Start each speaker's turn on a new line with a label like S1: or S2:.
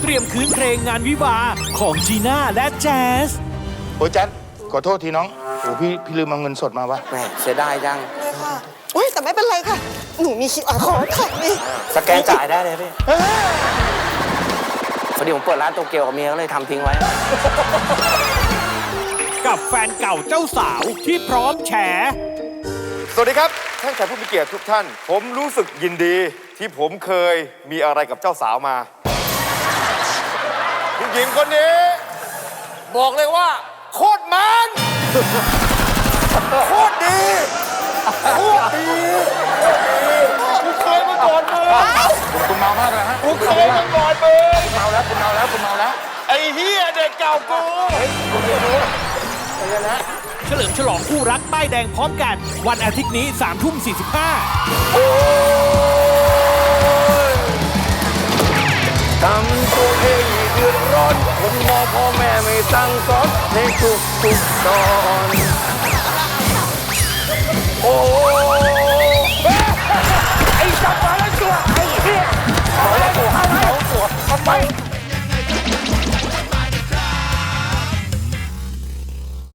S1: เตรียมคืนเพลงงานวิวาห์ของจีน่าและแจ๊ส
S2: โอ้ยแจ๊ดขอโทษทีน้องโอ้พี่ลืมเอาเงินสดมาวะ
S3: แหมเสียดายจัง
S4: เลยค่ะอุ้ยแต่ไม่เป็นไรค่ะ หนูมี QR code ค่ะนี่
S3: สแกนจ่ายได้เลยพี่พอดีผมเปิดร้านโตเกียวกับเมียก็เลยทำทิ้งไว้
S1: กับแฟนเก่าเจ้าสาวที่พร้อมแฉ
S5: สวัสดีครับท่านแขกผู้มีเกียรติทุกท่าน ผมรู้สึกยินดีที่ผมเคยมีอะไรกับเจ้าสาวมาผู้หญิงคนนี้ บอกเลยว่า โคตรมันโคตรดีโคตรดีกูเคยมาก่อนมึง
S2: คุณเมามากเลยฮะ
S5: กูเคยมาก่อนมึง
S2: คุณเมาแล้วคุณเมาแล้วคุณเมาแล้ว
S5: ไอ้เฮียเด็กเก่ากู
S1: เฉลิมฉลองคู่รักป้ายแดงพร้อมกัน วันอาทิตย์นี้3 ทุ่ม 45
S3: โอ้ยทำตัวเองเดือดร้อนคนมองพ่อแม่ไม่สั่งสอนในทุกตอนโอ้ไอ้จับมาแล้วตัวไอ้เหี้ยเอาแล้วตัวทำไม